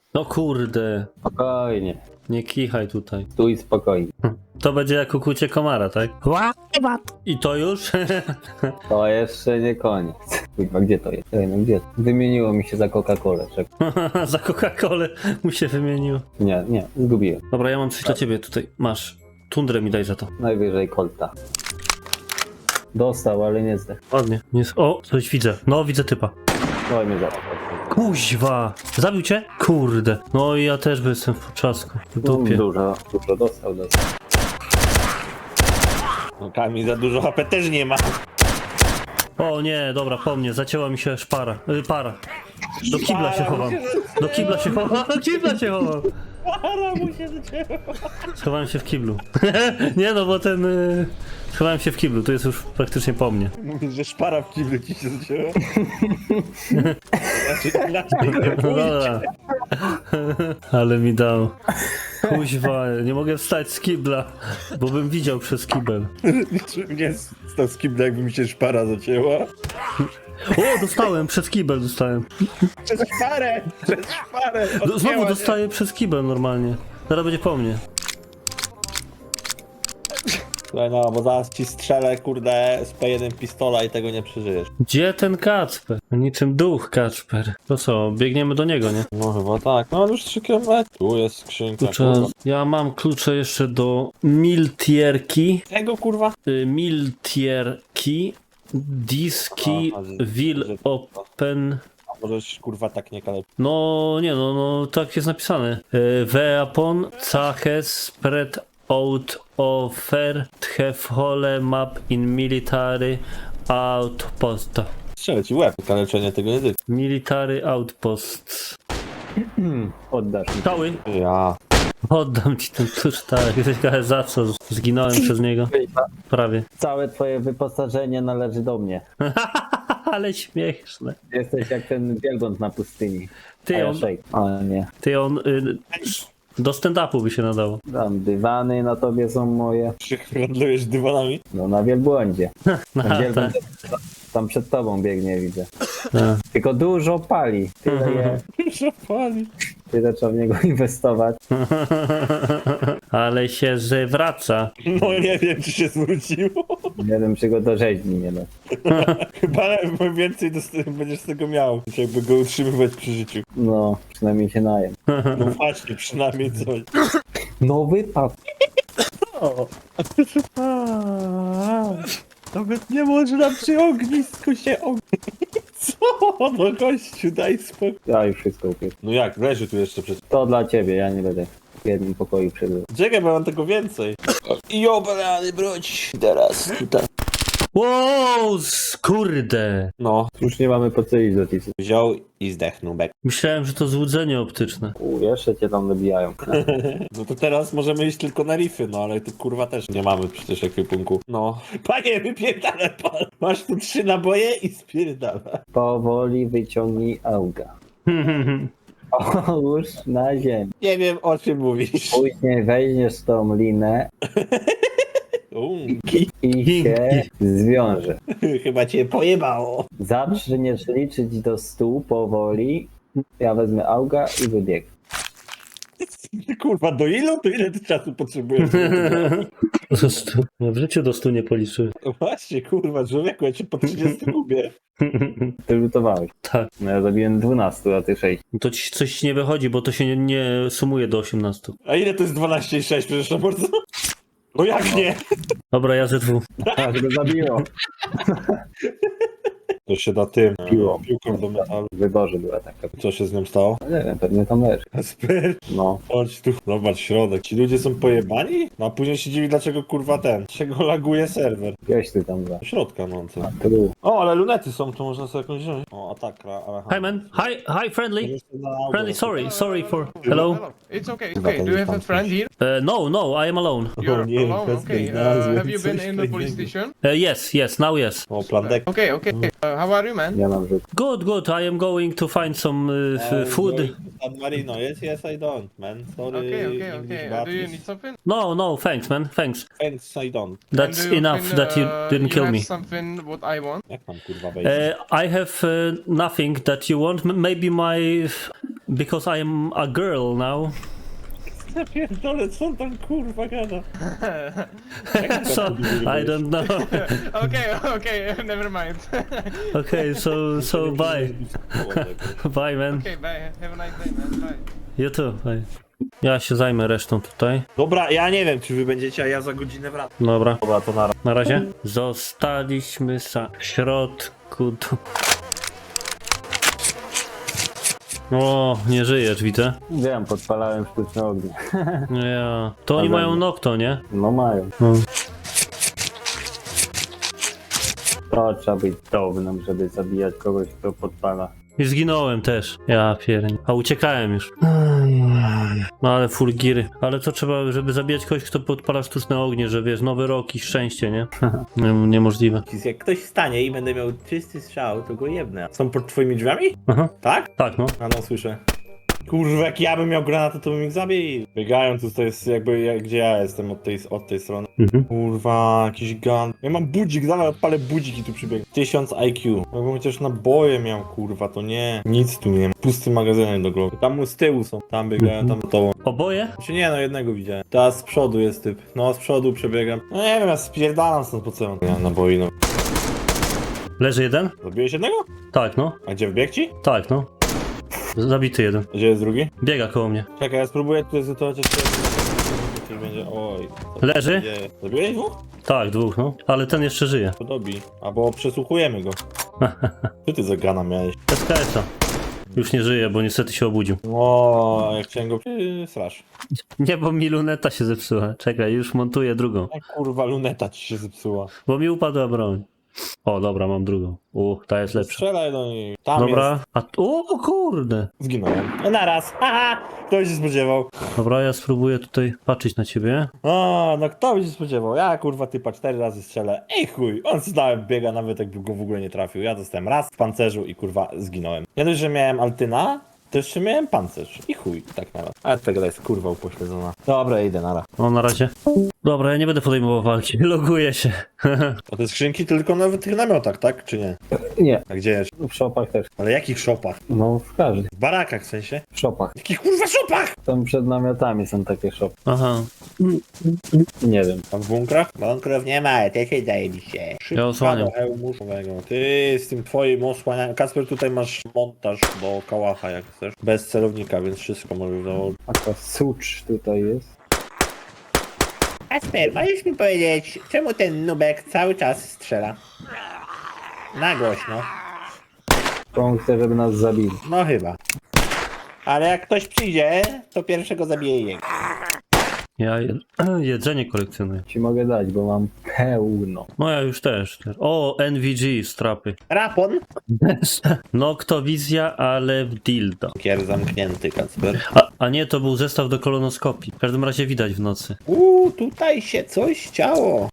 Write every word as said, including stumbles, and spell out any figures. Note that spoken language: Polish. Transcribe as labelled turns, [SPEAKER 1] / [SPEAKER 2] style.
[SPEAKER 1] No kurde,
[SPEAKER 2] Spokojnie.
[SPEAKER 1] nie kichaj tutaj.
[SPEAKER 2] Stój spokojnie.
[SPEAKER 1] To będzie jak ukucie komara, tak? I to już?
[SPEAKER 2] To jeszcze nie koniec. Kurwa, gdzie to jest? Ej, no gdzie? Wymieniło mi się za Coca-Colę. Czekaj.
[SPEAKER 1] Za Coca-Colę mu się wymienił.
[SPEAKER 2] Nie, nie, zgubiłem.
[SPEAKER 1] Dobra, ja mam coś dla ciebie tutaj. Masz. Tundrę mi daj za to.
[SPEAKER 2] Najwyżej Colta. Dostał, ale nie zdech.
[SPEAKER 1] Ładnie. Jest... O, coś widzę. No, widzę typa.
[SPEAKER 2] No i mnie zaraz.
[SPEAKER 1] Kuźwa! Zabił cię? Kurde. No i ja też by jestem w potrzasku. W dupie.
[SPEAKER 2] Dużo, dużo dostał, dostał.
[SPEAKER 3] No Kamil za dużo H P też nie ma.
[SPEAKER 1] O nie, dobra, po mnie. Zacięła mi się szpara. Y, para. Do kibla się chowam. Do kibla się chowam. Do kibla się chowam.
[SPEAKER 3] Para mu się zaczęła.
[SPEAKER 1] Schowałem się w kiblu. Nie no, bo ten... Y... Schowałem się w kiblu, to jest już praktycznie po mnie.
[SPEAKER 3] Mówisz, że szpara w kiblu ci się zaczęła. Znaczy inaczej nie
[SPEAKER 1] No dobra. Ale mi dał. Kuźwa, nie mogę wstać z kibla, bo bym widział przez kibel.
[SPEAKER 3] Nie stał z kibla, jakby mi się szpara zacięła.
[SPEAKER 1] O, dostałem, przez kibel dostałem.
[SPEAKER 3] Przez szparę! Przez szparę!
[SPEAKER 1] Do, znowu dostaję przez kibel normalnie. Zaraz będzie po mnie.
[SPEAKER 3] Słuchaj, no, bo zaraz ci strzelę, kurde, z P jeden pistola i tego nie przeżyjesz.
[SPEAKER 1] Gdzie ten Kacper? Niczym duch Kacper. To co, biegniemy do niego, nie?
[SPEAKER 3] No chyba tak. No już trzy kilometry. Tu jest skrzynka,
[SPEAKER 1] Klucze,
[SPEAKER 3] kurwa.
[SPEAKER 1] ja mam klucze jeszcze do Miltierki.
[SPEAKER 3] Tego, kurwa?
[SPEAKER 1] Y, Miltierki. Diski
[SPEAKER 3] Aha,
[SPEAKER 1] will
[SPEAKER 3] że-
[SPEAKER 1] open.
[SPEAKER 3] A możesz, kurwa, tak nie kaleć.
[SPEAKER 1] No nie no, no tak jest napisane. Y, Weapon caches spread out offer hole map in military outpost.
[SPEAKER 3] Strzelę ci łeb. Kaleczenie tego nie tylko.
[SPEAKER 1] Military outposts.
[SPEAKER 2] Oddasz mi.
[SPEAKER 1] Cały.
[SPEAKER 3] Ja.
[SPEAKER 1] Oddam ci ten klucz, tak. Ciekawe za co zginąłem przez niego. Prawie.
[SPEAKER 2] Całe twoje wyposażenie należy do mnie.
[SPEAKER 1] Ale śmieszne.
[SPEAKER 2] Jesteś jak ten wielbłąd na pustyni. A
[SPEAKER 1] Ty
[SPEAKER 2] ja
[SPEAKER 1] on,
[SPEAKER 2] szejk. O nie.
[SPEAKER 1] ty on y, do stand-upu by się nadało.
[SPEAKER 2] Tam dywany na tobie są moje.
[SPEAKER 3] Się handlujesz dywanami?
[SPEAKER 2] No na wielbłądzie.
[SPEAKER 1] No,
[SPEAKER 2] Ten wielbłąd
[SPEAKER 1] tak.
[SPEAKER 2] tam przed tobą biegnie, widzę.
[SPEAKER 1] Tak.
[SPEAKER 2] Tylko dużo pali. Tyle, je,
[SPEAKER 3] Proszę pani.
[SPEAKER 2] tyle trzeba w niego inwestować.
[SPEAKER 1] Ale się zwraca.
[SPEAKER 3] No nie wiem, czy się zwróciło.
[SPEAKER 2] Nie wiem, czy go do rzeźni nie da.
[SPEAKER 3] Chyba więcej dost- będziesz z tego miał. Jakby go utrzymywać przy życiu.
[SPEAKER 2] No, przynajmniej się najem.
[SPEAKER 3] No właśnie, przynajmniej coś.
[SPEAKER 2] Nowy pap.
[SPEAKER 3] Nawet nie można przy ognisku się ognić. Co? No gościu, daj spokój.
[SPEAKER 2] Ja już wszystko upię.
[SPEAKER 3] No jak, leży tu jeszcze przez...
[SPEAKER 2] To dla ciebie, ja nie będę w jednym pokoju przebywał.
[SPEAKER 3] Czekaj, bo mam tego więcej. Jobrany broć. Teraz tutaj.
[SPEAKER 1] Wow, skurde.
[SPEAKER 3] No,
[SPEAKER 2] Już nie mamy po co iść do tisy.
[SPEAKER 3] wziął i zdechnął bek.
[SPEAKER 1] Myślałem, że to złudzenie optyczne.
[SPEAKER 2] U, jeszcze cię tam dobijają.
[SPEAKER 3] No to teraz możemy iść tylko na rify, no ale tu kurwa też nie mamy przecież ekwipunku. No. Panie, wypierdalaj pan. Masz tu trzy naboje i spierdala.
[SPEAKER 2] Powoli wyciągnij auga. Połóż na ziemię.
[SPEAKER 3] Nie wiem, o czym mówisz.
[SPEAKER 2] Później weźmiesz tą linę
[SPEAKER 3] Uuu,
[SPEAKER 2] i się zwiąże.
[SPEAKER 3] chyba cię pojebało.
[SPEAKER 2] Zaczniesz liczyć do stu powoli. Ja wezmę auga i wybieg.
[SPEAKER 3] Kurwa, do ilu? To ile ty czasu potrzebujesz?
[SPEAKER 1] Do stu. No w życiu do stu nie policzyłem.
[SPEAKER 3] No właśnie, kurwa, człowieku, ja cię po trzydziestu lubię.
[SPEAKER 2] Ty lutowałeś.
[SPEAKER 1] Tak.
[SPEAKER 2] No ja zabiłem dwunastu, a ty sześć.
[SPEAKER 1] No to ci coś nie wychodzi, bo to się nie, nie sumuje do osiemnastu.
[SPEAKER 3] A ile to jest dwanaście i sześć, przepraszam bardzo? No jak nie?
[SPEAKER 1] Dobra, ja ze dwóch.
[SPEAKER 2] Tak, go zabiło.
[SPEAKER 3] To się da tym,
[SPEAKER 2] Piłą.
[SPEAKER 3] piłką do metalu.
[SPEAKER 2] W wyborze była taka.
[SPEAKER 3] Co się z nią stało?
[SPEAKER 2] No nie wiem, pewnie tam leży.
[SPEAKER 3] Kasper,
[SPEAKER 2] No.
[SPEAKER 3] chodź tu, zobacz środek. Ci ludzie są pojebani? No a później się dziwi, dlaczego kurwa ten, czego laguje serwer.
[SPEAKER 2] Gdzieś ty tam za.
[SPEAKER 3] Do środka, no co?
[SPEAKER 2] To był.
[SPEAKER 3] O, ale lunety są, to można sobie jakąś wziąć. O, atakra, ale...
[SPEAKER 1] Hi man, hi, hi friendly. Friendly, sorry, sorry for...
[SPEAKER 4] Hello.
[SPEAKER 1] Hello?
[SPEAKER 4] It's okay. It's okay. Do you have a friend here?
[SPEAKER 1] Uh, no, no, I am alone.
[SPEAKER 4] You're
[SPEAKER 3] nie,
[SPEAKER 4] alone.
[SPEAKER 3] bez
[SPEAKER 4] Okay.
[SPEAKER 3] gimnazjum,
[SPEAKER 4] Uh, have you been
[SPEAKER 3] coś
[SPEAKER 4] in the
[SPEAKER 3] takiego.
[SPEAKER 4] police station?
[SPEAKER 1] Uh, yes, yes, now yes.
[SPEAKER 3] O, plandek.
[SPEAKER 4] Okay. Okay. Uh, how are you, man?
[SPEAKER 2] Ja mam rzut.
[SPEAKER 1] Good, good, I am going to find some uh, f- food.
[SPEAKER 3] San Marino, yes, yes, I don't, man. Sorry,
[SPEAKER 4] Okay. Okay.
[SPEAKER 3] English
[SPEAKER 4] Okay. Uh, do you
[SPEAKER 3] baptist.
[SPEAKER 4] need something?
[SPEAKER 1] No, no, thanks man, thanks.
[SPEAKER 3] Thanks, I don't.
[SPEAKER 4] And
[SPEAKER 1] That's
[SPEAKER 4] do you
[SPEAKER 1] enough
[SPEAKER 4] can,
[SPEAKER 1] that you
[SPEAKER 4] uh,
[SPEAKER 1] didn't
[SPEAKER 4] you
[SPEAKER 1] kill
[SPEAKER 4] have
[SPEAKER 1] me.
[SPEAKER 4] something what I want.
[SPEAKER 3] Jak mam kurwa wejść?
[SPEAKER 1] Uh, I have uh, nothing that you want. M- maybe my because I am a girl now.
[SPEAKER 3] Zapierdolę, co on tam kurwa gada?
[SPEAKER 1] So, I don't know.
[SPEAKER 4] Okay, okay, never mind.
[SPEAKER 1] Okay, so, so bye. Bye, man.
[SPEAKER 4] Okay, bye. Have a nice day, man. Bye.
[SPEAKER 1] You too, bye. Ja się zajmę resztą tutaj.
[SPEAKER 3] Dobra, ja nie wiem, czy wy będziecie, a ja za godzinę wracam.
[SPEAKER 1] Dobra,
[SPEAKER 3] Dobra, to nara.
[SPEAKER 1] na razie. Zostaliśmy sa w środku. Tu. O, nie żyjesz, widzę.
[SPEAKER 2] Wiem, podpalałem sztuczne ognie.
[SPEAKER 1] Ja. To oni
[SPEAKER 2] Ale-
[SPEAKER 1] mają Nocto, nie?
[SPEAKER 2] No mają.
[SPEAKER 1] No.
[SPEAKER 2] To trzeba być downym, żeby zabijać kogoś, kto podpala.
[SPEAKER 1] I zginąłem też. Ja piernie. A uciekałem już. No ale full giry. Ale to trzeba, żeby zabijać kogoś, kto podpala sztuczne ognie, że wiesz, nowy rok i szczęście, nie? Nie- Niemożliwe.
[SPEAKER 3] Jak ktoś stanie i będę miał czysty strzał, to go jebnę. Są pod twoimi drzwiami?
[SPEAKER 1] Aha.
[SPEAKER 3] Tak?
[SPEAKER 1] Tak, no.
[SPEAKER 3] A no, słyszę. Kurwa, jak ja bym miał granatę, to bym ich zabił. Biegają tu, to jest jakby, jak, gdzie ja jestem od tej, od tej strony.
[SPEAKER 1] Mhm.
[SPEAKER 3] Kurwa, jakiś gun. Ja mam budzik, zaraz odpalę budzik i tu przybiegł. tysiąc I Q. Jakbym chociaż naboje miał, kurwa, to nie. Nic tu nie ma. Pusty magazynek do głowy. Tam mu z tyłu są. Tam biegają, tam to.
[SPEAKER 1] Oboje?
[SPEAKER 3] Czy nie, no jednego widziałem. Teraz z przodu jest typ. No, z przodu przebiegam. No nie wiem, ja spierdalam stąd po co. Ja naboi, no.
[SPEAKER 1] Leży jeden?
[SPEAKER 3] Zabiłeś jednego?
[SPEAKER 1] Tak, no.
[SPEAKER 3] A gdzie wbiegł ci?
[SPEAKER 1] Tak, no. Zabity jeden.
[SPEAKER 3] A gdzie jest drugi?
[SPEAKER 1] Biega koło mnie.
[SPEAKER 3] Czekaj, ja spróbuję tutaj sytuować jeszcze. Tutaj będzie. Oj. co
[SPEAKER 1] Leży?
[SPEAKER 3] się dzieje? Zabiłeś dwóch?
[SPEAKER 1] Tak, dwóch, no. Ale ten jeszcze żyje.
[SPEAKER 3] Podobi. Albo przesłuchujemy go. Co ty za gana miałeś?
[SPEAKER 1] S K S-a. Już nie żyje, bo niestety się obudził.
[SPEAKER 3] O, jak chciałem go strasz.
[SPEAKER 1] Nie, bo mi luneta się zepsuła. Czekaj, już montuję drugą.
[SPEAKER 3] Jak kurwa luneta ci się zepsuła.
[SPEAKER 1] Bo mi upadła broń. O, dobra, mam drugą. U, ta jest lepsza.
[SPEAKER 3] Strzelaj do niej. Tam
[SPEAKER 1] Dobra. A o, o kurde.
[SPEAKER 3] jest. Zginąłem. No naraz. Haha! Kto by się spodziewał?
[SPEAKER 1] Dobra, ja spróbuję tutaj patrzeć na ciebie.
[SPEAKER 3] O, no kto by się spodziewał? Ja kurwa typa cztery razy strzelę. Ej chuj, on stałem biega nawet jakby go w ogóle nie trafił. Ja dostałem raz w pancerzu i kurwa zginąłem. Ja dość, że miałem Altyna, to jeszcze miałem pancerz. I chuj, tak nawet. Ale tego jest kurwa upośledzona. Dobra, idę nara.
[SPEAKER 1] O, na razie. Dobra, ja nie będę podejmował walki. Loguję się.
[SPEAKER 3] A te skrzynki tylko na tych namiotach, tak? Czy nie?
[SPEAKER 2] Nie,
[SPEAKER 3] A gdzie jest?
[SPEAKER 2] w szopach też.
[SPEAKER 3] Ale jakich szopach?
[SPEAKER 2] No w każdych.
[SPEAKER 3] W barakach w sensie?
[SPEAKER 2] W szopach.
[SPEAKER 3] Jakich kurwa szopach?
[SPEAKER 2] Tam przed namiotami są takie szopy.
[SPEAKER 1] Aha.
[SPEAKER 2] Nie wiem.
[SPEAKER 3] A w bunkrach? Bunkrów nie ma, te się zajebiście.
[SPEAKER 1] Ja osłaniam.
[SPEAKER 3] do hełmu szowego. Ty z tym twoim osłanianiem. Kasper, tutaj masz montaż do kałacha jak chcesz. Bez celownika, więc wszystko możesz założyć.
[SPEAKER 2] Taka sucz tutaj jest.
[SPEAKER 3] Kasper, możesz mi powiedzieć, czemu ten nubek cały czas strzela? Na głośno.
[SPEAKER 2] To on chce, żeby nas zabili.
[SPEAKER 3] No chyba. Ale jak ktoś przyjdzie, to pierwszego zabije jego.
[SPEAKER 1] Ja je jedzenie kolekcjonuję.
[SPEAKER 2] Ci mogę dać, bo mam pełno.
[SPEAKER 1] No ja już też. O, N V G, strapy.
[SPEAKER 3] Rapon?
[SPEAKER 1] Noktowizja, ale w dildo.
[SPEAKER 3] Kier zamknięty, Kasper.
[SPEAKER 1] A, a nie, to był zestaw do kolonoskopii. W każdym razie widać w nocy.
[SPEAKER 3] Uuu, tutaj się coś działo.